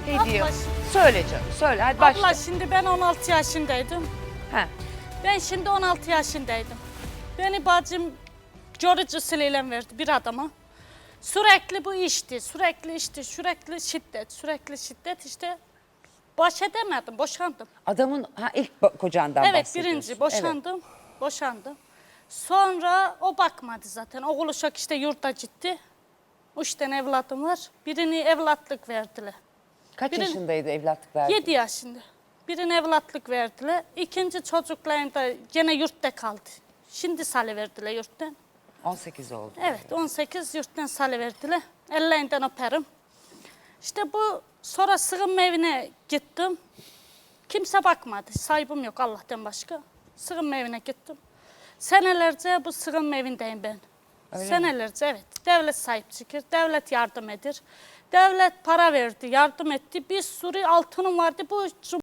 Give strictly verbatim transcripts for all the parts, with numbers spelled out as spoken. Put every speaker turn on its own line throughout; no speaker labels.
Hediye.
Abla,
Söyle canım söyle hadi başla.
abla şimdi ben on altı yaşındaydım.
He.
Ben şimdi on altı yaşındaydım. Beni bacım görücü usulüyle verdi bir adama. Sürekli bu işti, sürekli işti, sürekli şiddet, sürekli şiddet işte. Baş edemedim, boşandım.
Adamın ha, ilk ba- kocandan
Evet,
bahsediyorsun.
birinci boşandım, boşandım. Sonra o bakmadı zaten. Oğul uşak işte yurda gitti. Üç tane evladım var. Birini evlatlık verdiler.
Kaç
Birin-
yaşındaydı evlatlık verdi?
Yedi yaşında. Birine evlatlık verdiler. İkinci çocuklarım da gene yurtta kaldı. Şimdi salıverdiler yurttan.
on sekiz oldu.
Evet, on sekiz yurttan salıverdiler. Ellerinden öperim. İşte bu sonra sığınma evine gittim. Kimse bakmadı. Sahibim yok Allah'tan başka. Sığınma evine gittim. Senelerce bu sığınma evindeyim ben.
Öyle mi?
Senelerce evet. Devlet sahip çıkır, devlet yardım edir. Devlet para verdi, yardım etti. Bir sürü altınım vardı. Bu cum-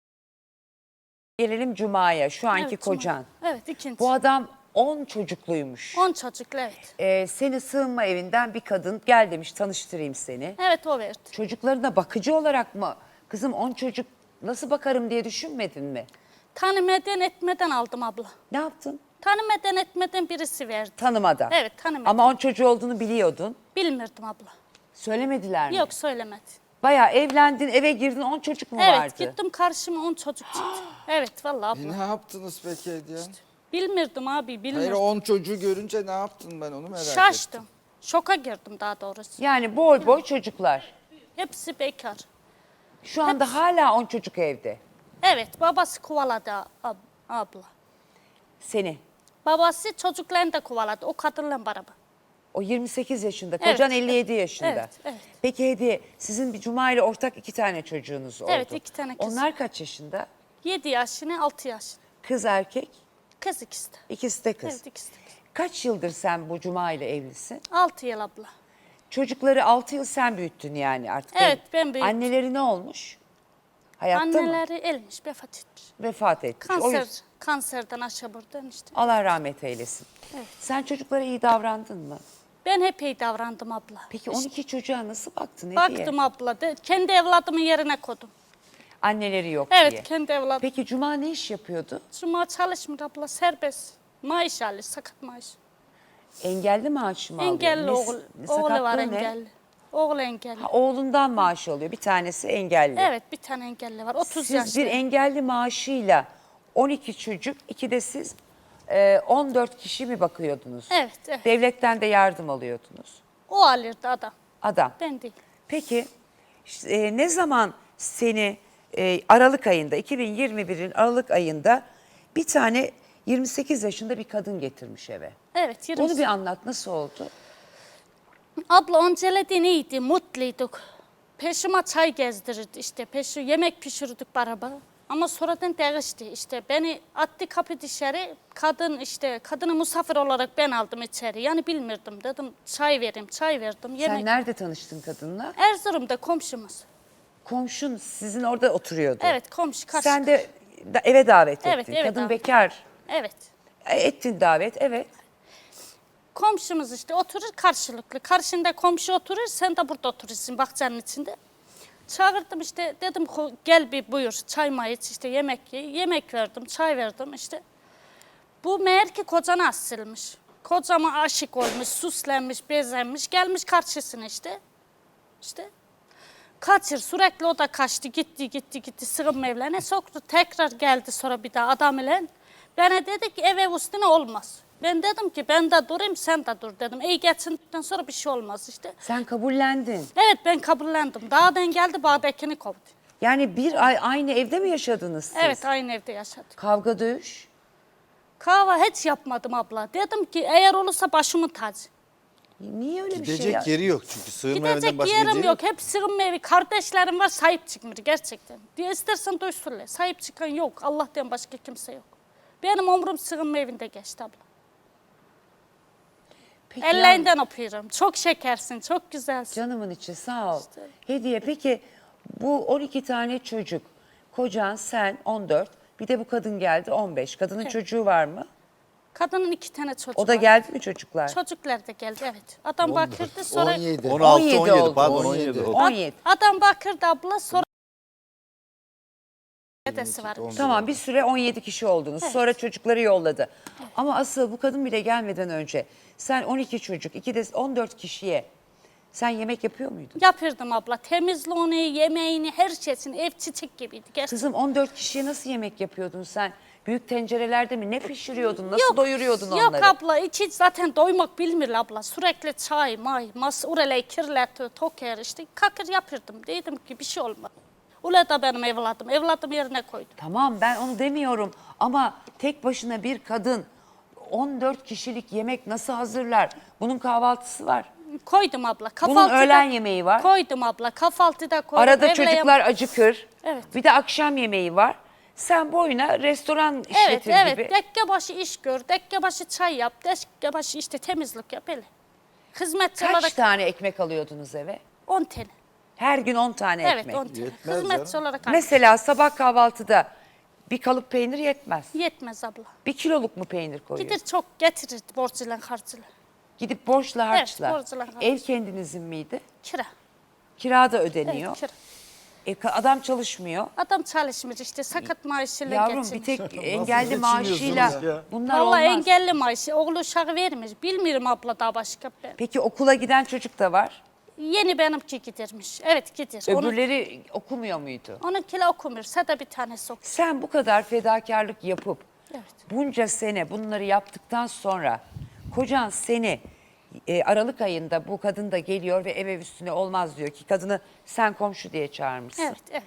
Gelelim Cuma'ya şu anki
Evet, Cuma.
kocan.
Evet, ikinci.
Bu adam on çocukluymuş.
On çocuklu evet.
Ee, seni sığınma evinden bir kadın gel demiş tanıştırayım seni.
Evet o verdi.
Çocuklarına bakıcı olarak mı? Kızım on çocuk nasıl bakarım diye düşünmedin mi?
Tanımadan etmeden aldım abla.
Ne yaptın?
Tanımadan etmeden birisi verdi.
Tanımadan.
Evet, tanımadan.
Ama on çocuğu olduğunu biliyordun.
Bilmirdim abla.
Söylemediler mi?
Yok söylemedi.
Bayağı evlendin eve girdin on çocuk mu
Evet
vardı?
gittim karşıma on çocuk çıktı. Evet vallahi
E,
abla.
ne yaptınız peki Hediye?
Bilmirdim abi
Hayır
bilmirdim.
on çocuğu görünce ne yaptın ben onu merak ettim.
Şaştım. Şoka girdim daha doğrusu.
Yani boy boy çocuklar.
Hepsi bekar.
Şu anda hala on çocuk evde.
Evet babası kovaladı ab- abla.
Seni.
Babası çocuklarını da kovaladı o kadınla beraber.
O yirmi sekiz yaşında, kocan
Evet.
elli yedi yaşında.
Evet, evet.
Peki Hediye, sizin bir Cuma ile ortak iki tane çocuğunuz oldu.
Evet, iki tane kız.
Onlar kaç yaşında?
Yedi yaşını altı yaşını.
Kız erkek,
Kız ikisi de.
ikisi de kız.
Evet ikisi de.
Kaç yıldır sen bu Cuma ile evlisin?
Altı yıl abla.
Çocukları altı yıl sen büyüttün yani artık.
Evet, ben büyüttüm.
Anneleri ne olmuş? Hayatta mı?
Anneleri ölmüş, vefat etmiş.
Vefat etmiş. O
Kanser,
yüzden-
kanserden aşağı buradan işte.
Allah rahmet eylesin.
Evet.
Sen çocuklara iyi davrandın mı?
Ben hep iyi davrandım abla.
Peki on iki çocuğa nasıl baktın Hediye?
Baktım abla, de, kendi evladımın yerine koydum.
Anneleri yok
Evet,
diye.
kendi evladım.
Peki Cuma ne iş yapıyordu?
Cuma çalışmıyor abla, serbest. Maaş alır, sakat maaş.
Engelli maaşı mı alıyor?
Engelli
Ne-
oğul, oğlu var
sakatlığı ne?
engelli. Oğlu engelli.
Ha, oğlundan maaş alıyor. Bir tanesi engelli.
Evet, bir tane engelli var, otuz
Siz
yaşında.
bir engelli maaşıyla on iki çocuk, iki de siz e, on dört kişi mi bakıyordunuz?
Evet, evet.
Devletten de yardım alıyordunuz.
O alırdı adam,
Adam.
ben değil.
Peki işte, e, ne zaman seni e, Aralık ayında, iki bin yirmi birin Aralık ayında bir tane yirmi sekiz yaşında bir kadın getirmiş eve.
Evet, yirmi.
Onu bir anlat, nasıl oldu?
Abla öncelediğin iyiydi, mutluyduk. Peşime çay gezdirirdi işte, peşi yemek pişirdik beraber. Ama sonradan değişti işte. Beni attı kapı dışarı, kadın işte, kadını misafir olarak ben aldım içeri. Yani bilmirdim dedim, çay vereyim, çay verdim. Yemek.
Sen nerede tanıştın kadınla?
Erzurum'da komşumuz.
Komşun sizin orada oturuyordu.
Evet, komşu karşı.
Sen de da- eve davet ettin.
Evet, eve
Kadın
davet.
bekar.
Evet.
E, Ettin davet, evet.
Komşumuz işte oturur karşılıklı. Karşında komşu oturur, sen de burada oturursun bahçenin içinde. Çağırdım işte, dedim "Ko- gel bir buyur, çay may iç, işte yemek ye. Yemek verdim, çay verdim işte. Bu meğer ki kocana asılmış. Kocama aşık olmuş, süslenmiş, bezenmiş, gelmiş karşısına işte. İşte kaçır, sürekli o da kaçtı, gitti, gitti, gitti, sığınma evlerine soktu. Tekrar geldi sonra bir daha adam ile. Bana dedi ki ev ev üstüne olmaz. Ben dedim ki ben de durayım, sen de dur dedim. İyi geçindikten sonra bir şey olmaz işte.
Sen kabullendin.
Evet ben kabullendim. Dağdan geldi, bağdakini kovdu.
Yani bir ay aynı evde mi yaşadınız siz?
Evet aynı evde yaşadık.
Kavga dövüş.
Kahve hiç yapmadım abla. Dedim ki eğer olursa başımın tacı.
Niye öyle bir şey
Gidecek
ya?
yeri yok çünkü sığınma evinden
Gidecek
başka
yerim
gidecek
yok. Hep sığınma evi. Kardeşlerim var, sahip çıkmıyor gerçekten. Diye istersen duysunlar. Sahip çıkan yok. Allah'tan başka kimse yok. Benim ömrüm sığınma evinde geçti abla.
Peki
Ellerinden öpüyorum. Çok şekersin, çok güzelsin.
Canımın içi sağ ol. Hediye peki bu on iki tane çocuk. Kocan sen on dört. Bir de bu kadın geldi on beş. Kadının çocuğu var mı?
Kadının iki tane çocuğu
O da
var.
geldi mi çocuklar?
Çocuklar da geldi evet. Adam bakırdı sonra...
on yedi.
on
on
yedi
yedi
oldu.
pardon
on
on
yedi.
yedi.
on yedi.
Adam bakırdı abla sonra... Dedesi var.
on bir.
Tamam bir süre on yedi kişi oldunuz. Sonra çocukları yolladı. Ama asıl bu kadın bile gelmeden önce sen on iki çocuk, iki de on dört kişiye sen yemek yapıyor muydun?
Yapırdım abla. Temizliğini, yemeğini, her şeyini ev çiçek gibiydi. Gerçekten.
Kızım on dört kişiye nasıl yemek yapıyordun sen? Büyük tencerelerde mi? Ne pişiriyordun? Nasıl doyuruyordun onları?
Yok abla içi zaten doymak bilmir abla. Sürekli çay, may, mas, urele, kirlet, toker işte kakır yapırdım. Dedim ki bir şey olmaz. Ula da benim evladım. Evladım yerine koydum.
Tamam ben onu demiyorum ama tek başına bir kadın on dört kişilik yemek nasıl hazırlar? Bunun kahvaltısı var.
Koydum abla.
Bunun
Kahvaltıda
öğlen yemeği var.
Koydum abla. Kahvaltıda koydum.
Arada
evle
çocuklar
yem-
acıkır.
Evet.
Bir de akşam yemeği var. Sen boyuna restoran
Evet
işletir
evet.
gibi.
Dekke başı iş gör. Dekke başı çay yap. Dekke başı işte temizlik yap. Öyle. Hizmetçi
Kaç
olarak
tane ekmek alıyordunuz eve?
on tane.
Her gün on tane
Evet
ekmek.
on tane.
Yetmez
Hizmetçi
canım.
olarak aldım.
Mesela sabah kahvaltıda bir kalıp peynir yetmez.
Yetmez abla.
Bir kiloluk mu peynir koyuyorsun?
Gider çok getirir borcuyla harcıyla.
Gidip borçla harçla.
borçla harçla.
Ev kendinizin miydi?
Kira.
Kira da
Evet
ödeniyor.
kira.
E, ka- adam çalışmıyor.
Adam çalışmıyor işte sakat maaşıyla
Yavrum
geçinir.
bir tek engelli
geçiniyorsunuz
maaşıyla
ya?
bunlar
Vallahi
olmaz.
engelli maaşı. Oğlu uşağı vermiş. Bilmiyorum abla daha başka. Ben.
Peki okula giden çocuk da var.
Yeni benimki gidermiş. Evet gider. Onun,
Öbürleri okumuyor muydu?
onunkiyle okumuyor. Sada bir tanesi okuyor.
Sen bu kadar fedakarlık yapıp
Evet.
bunca sene bunları yaptıktan sonra kocan seni e, Aralık ayında bu kadın da geliyor ve ev ev üstüne olmaz diyor ki kadını sen komşu diye çağırmışsın.
Evet evet.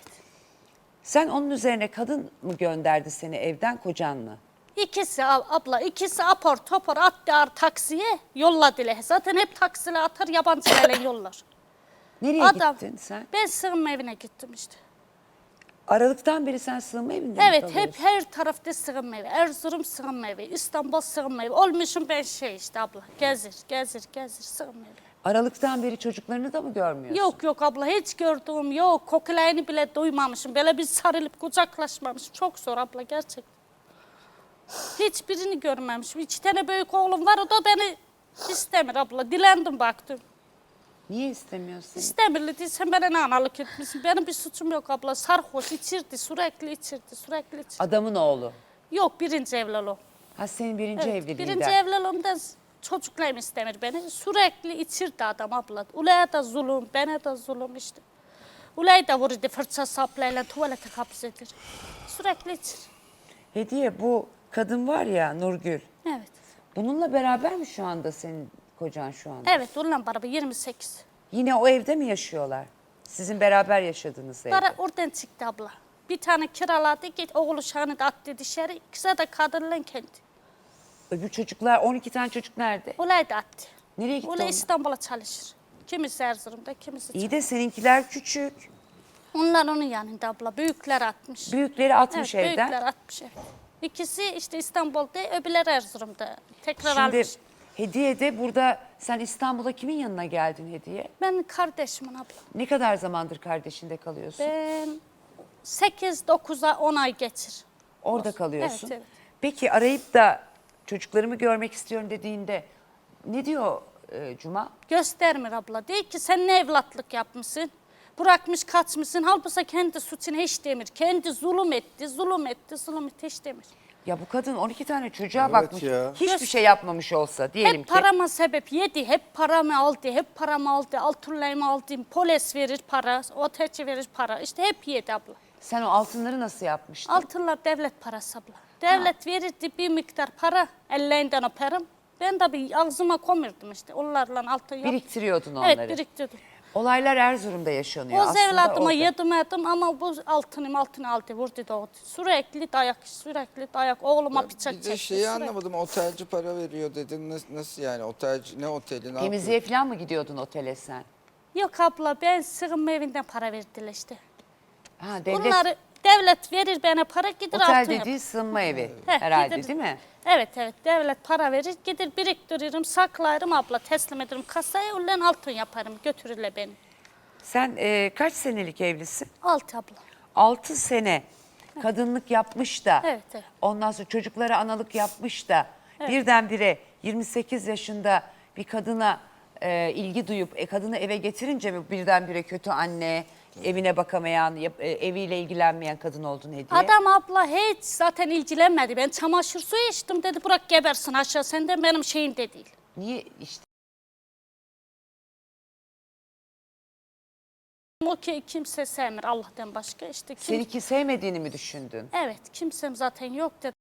Sen onun üzerine kadın mı gönderdi seni evden kocan mı?
İkisi ab- abla ikisi apar topar attı taksiye yolladılar. Zaten hep taksiyle atar yabancılarla yollar.
Nereye
Adam,
gittin sen?
Ben sığınma evine gittim işte.
Aralıktan beri sen sığınma evinde mi
Evet hep
kalıyorsun?
her tarafta sığınma evi. Erzurum sığınma evi, İstanbul sığınma evi. Olmuşum ben şey işte abla. Gezir, gezir, gezir sığınma evi.
Aralıktan beri çocuklarını da mı görmüyorsun?
Yok yok abla hiç gördüğüm yok. Kokulayını bile duymamışım. Böyle bir sarılıp kucaklaşmamışım. Çok zor abla gerçekten. Hiçbirini görmemişim. İki tane büyük oğlum var o da beni istemir abla. Dilendim baktım.
Niye istemiyorsun?
İstemirli değilsen bana ne analık etmişsin. Benim bir suçum yok abla. Sarhoş içirdi sürekli içirdi sürekli içirdi.
Adamın oğlu.
Yok birinci evliliğim.
Ha senin birinci
Evet,
evliliğinden.
birinci evliliğimde çocuklarım istemir beni. Sürekli içirdi adam abla. Ulaya da zulüm, bana da zulüm işte. Ulaya da vurdu fırça saplayla tuvalete hapsedir. Sürekli içir.
Hediye bu kadın var ya Nurgül.
Evet.
Bununla beraber mi şu anda senin kocan şu anda?
Evet onunla beraber yirmi sekiz.
Yine o evde mi yaşıyorlar? Sizin beraber yaşadığınız evde.
Para oradan çıktı abla. Bir tane kiraladı git oğul uşağını da attı dışarı. İkisi de kadınla kendi.
Öbür çocuklar on iki tane çocuk nerede?
Ulay da attı.
Nereye gitti
Ulay
onlar?
İstanbul'a çalışır. Kimisi Erzurum'da, kimisi
İyi de seninkiler küçük.
Onlar onun yanında abla. Büyükler atmış.
Büyükleri atmış
evet,
evden.
büyükler atmış evet. İkisi işte İstanbul'da, öbürleri Erzurum'da. Tekrar
Şimdi
almış.
Hediye de burada sen İstanbul'a kimin yanına geldin Hediye?
Ben kardeşimin abla.
Ne kadar zamandır kardeşinde kalıyorsun?
Ben sekiz dokuza on ay geçir.
Orada kalıyorsun.
Evet, evet.
Peki arayıp da çocuklarımı görmek istiyorum dediğinde ne diyor e, Cuma?
Göstermir abla. Değil ki sen ne evlatlık yapmışsın? Bırakmış kaçmışsın. Halbuki kendi suçunu hiç demir. Kendi zulüm etti, zulüm etti, zulüm etti hiç demir.
Ya bu kadın on iki tane çocuğa
Evet
bakmış.
ya.
Hiçbir şey yapmamış olsa diyelim
Hep
ki.
parama sebep yedi. Hep paramı aldı, hep paramı aldı. Altınlarımı aldım. Polis verir para, otelci verir para. İşte hep yedi abla.
Sen o altınları nasıl yapmıştın?
Altınlar devlet parası abla. Devlet verirdi bir miktar para, ellerinden öperim. Ben de bir ağzıma komurdum işte. Onlarla altın yap.
Biriktiriyordun onları.
Evet biriktirdim.
Olaylar Erzurum'da yaşanıyor
O
aslında
evladıma
orada.
yedirmedim ama bu altınım altını aldı vurdu da oldu. Sürekli dayak, sürekli dayak. Oğluma bıçak
Bir
çekti.
de şeyi
sürekli.
anlamadım. Otelci para veriyor dedin. Nasıl, nasıl yani? Otelci ne oteli? Ne
Temizliğe
yapıyor?
falan mı gidiyordun otele sen?
Yok abla ben sığınma evinden para verdiler işte.
Ha, devlet,
Bunları devlet verir bana para gider
otel
altın yap.
dediği sığınma evi
Heh,
herhalde
gider-
değil mi?
Evet evet devlet para verir gider biriktiririm saklarım abla teslim ederim kasaya ulan altın yaparım götürürler beni.
Sen e, kaç senelik evlisin?
Altı abla.
Altı sene kadınlık yapmış da
Evet, evet.
ondan sonra çocuklara analık yapmış da Birdenbire yirmi sekiz yaşında bir kadına e, ilgi duyup e, kadını eve getirince mi birdenbire kötü anne, evine bakamayan, yap- e, eviyle ilgilenmeyen kadın oldun Hediye?
Adam abla hiç zaten ilgilenmedi. Ben çamaşır suyu içtim dedi bırak gebersin aşağı senden benim şeyim de değil.
Niye işte?
O ki kimse sevmir Allah'tan başka işte. Kim...
Seni ki sevmediğini mi düşündün?
Evet kimsem zaten yok dedi.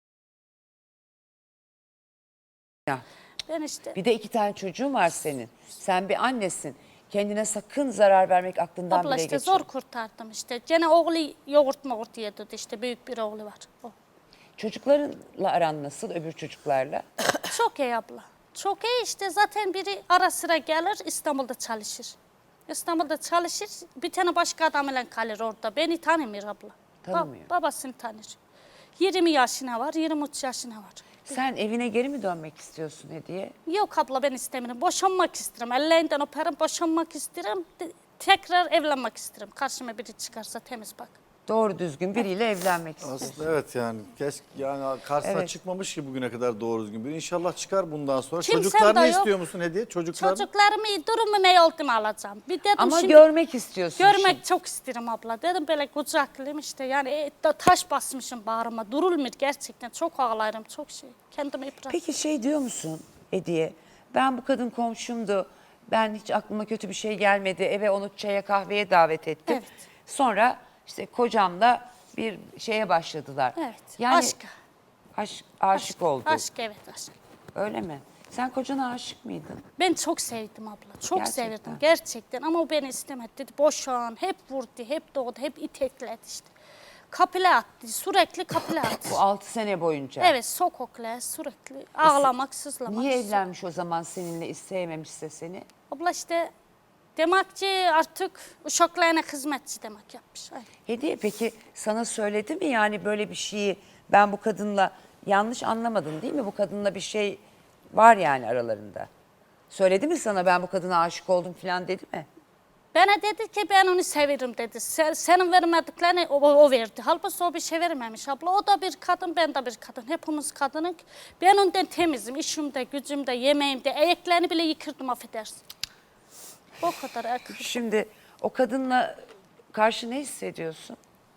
Ya.
Ben işte
Bir de iki tane çocuğun var senin. Sen bir annesin. Kendine sakın zarar vermek aklından
abla
bile
işte
geçirme.
zor kurtardım işte. Gene oğlu yoğurt moğurt yedi işte büyük bir oğlu var. O.
Çocuklarınla aran nasıl, öbür çocuklarla?
Çok iyi abla. Çok iyi işte zaten biri ara sıra gelir İstanbul'da çalışır. İstanbul'da çalışır bir tane başka adamla kalır orada. Beni tanımıyor abla. Ba-
Tanımıyor.
babasını tanır. yirmi yaşına var, yirmi üç yaşına var.
Sen evine geri mi dönmek istiyorsun Hediye?
Yok abla ben istemiyorum. Boşanmak isterim. Ellerinden öperim, boşanmak isterim. De- tekrar evlenmek isterim. Karşıma biri çıkarsa temiz bak.
Doğru düzgün biriyle evlenmek istiyorsun.
Aslında evet yani keşke yani karşısına
Evet.
çıkmamış ki bugüne kadar doğru düzgün biri. İnşallah çıkar bundan sonra.
Kimsem
Çocuklarını
de yok.
istiyor musun Hediye? Çocuklarını.
Çocuklarımı iyi durumu ne oldu mu alacağım. Bir dedim
Ama
şimdi
görmek istiyorsun
görmek
şimdi.
çok isterim abla. Dedim böyle kucaklıyım işte yani e, da- taş basmışım bağrıma. Durulmuyor gerçekten. Çok ağlarım çok şey. Kendimi yıprat.
Peki şey diyor musun Hediye? Ben bu kadın komşumdu. Ben hiç aklıma kötü bir şey gelmedi. Eve onu çaya kahveye davet ettim.
Evet.
Sonra işte kocamla bir şeye başladılar.
Evet.
Yani
Aşk.
aşk, aşık oldu.
Aşk evet aşk.
Öyle mi? Sen kocana aşık mıydın?
Ben çok sevdim abla. Çok
Gerçekten.
sevdim gerçekten ama o beni istemedi. Dedi boşan. Hep vurdu, hep doğdu, hep itekledi işte. Kapıla attı. Sürekli kapıla attı.
Bu altı sene boyunca.
Evet sokakla sürekli ağlamak, sızlamak.
Niye evlenmiş o zaman seninle, sevmemişse seni?
Abla işte demek ki artık uşaklarına hizmetçi demek yapmış. Aynen.
Hediye peki sana söyledi mi yani böyle bir şeyi, ben bu kadınla yanlış anlamadın değil mi? Bu kadınla bir şey var yani aralarında. Söyledi mi sana ben bu kadına aşık oldum falan dedi mi?
Bana dedi ki ben onu severim dedi. Sen, senin vermediklerini o, o verdi. Halbuki o bir şey vermemiş abla. O da bir kadın, ben de bir kadın. Hepimiz kadınız. Ben ondan temizim. İşimde, gücümde, yemeğimde. Ayaklarını bile yıkırdım affedersin. O kadar ayak.
Şimdi o kadınla karşı ne hissediyorsun?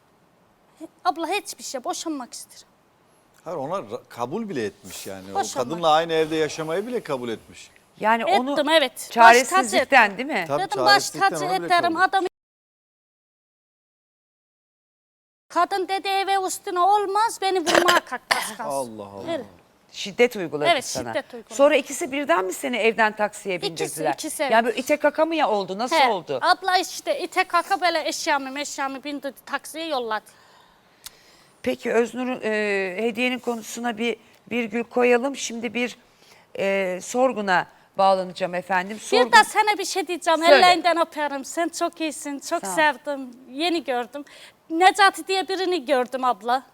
Abla hiçbir şey. Boşanmak isterim.
Hayır ona ra- kabul bile etmiş yani. O
Boşanmak.
kadınla aynı evde yaşamayı bile kabul etmiş.
Yani onu
Ettim, evet. Baş
çaresizlikten
tacı
değil mi?
Tabii
Dedim baş
çaresizlikten
tacı
ona bile
ederim.
kabul.
Adam kadın dedi eve üstüne olmaz beni vurmaya kalktı.
Allah Allah.
Öyle.
Şiddet uyguladı
Evet,
sana.
şiddet uyguladı.
Sonra ikisi birden mi seni evden taksiye
İkisi,
bindirdiler?
ikisi, evet.
Yani böyle ite kaka mı ya oldu? Nasıl
He,
oldu?
Abla işte ite kaka böyle eşyamı meşyamı bindirdi taksiye yolladı.
Peki Öznur'un e, hediyenin konusuna bir virgül koyalım. Şimdi bir e, sorguna bağlanacağım efendim. Sorgun,
Bir de sana bir şey diyeceğim.
Söyle.
Ellerinden öperim. Sen çok iyisin. Çok
Sağ ol.
sevdim. Yeni gördüm. Necati diye birini gördüm abla.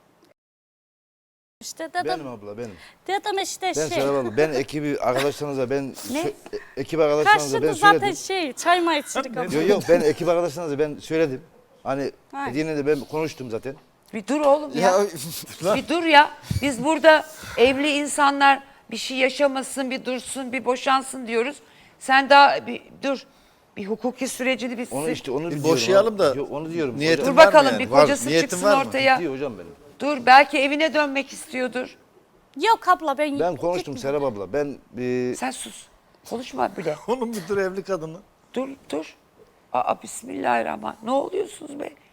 İşte dedim,
Benim abla benim.
dedim işte
Ben
şey.
Serap abla. Ben ekibi arkadaşlarınıza ben
Ne?
sö- e- ekip arkadaşlarınıza ben
Karşında zaten
söyledim.
şey çay mı içirik abla.
Yok yok ben ekip arkadaşlarınıza ben söyledim. Hani
Hayır.
Hediye'yle de ben konuştum zaten.
bir dur oğlum ya.
Ya
Bir dur ya. Biz burada evli insanlar bir şey yaşamasın, bir dursun, bir boşansın diyoruz. Sen daha bir dur. Bir hukuki sürecini bir
Onu işte onu
Bir
diyorum.
boşayalım da
Yok, onu diyorum.
niyetin
Dur
Hocam,
var mı
bakalım
yani?
bir
Var,
kocası
niyetin
çıksın
var mı?
ortaya.
diyor hocam benim.
Dur belki evine dönmek istiyordur.
Yok abla ben...
Ben konuştum
gitmiyorum.
Serap abla. Ben e,
Sen sus. Konuşma bile.
Onun bir tür evli kadını.
Dur dur. Aa bismillahirrahmanirrahim. Ne oluyorsunuz be?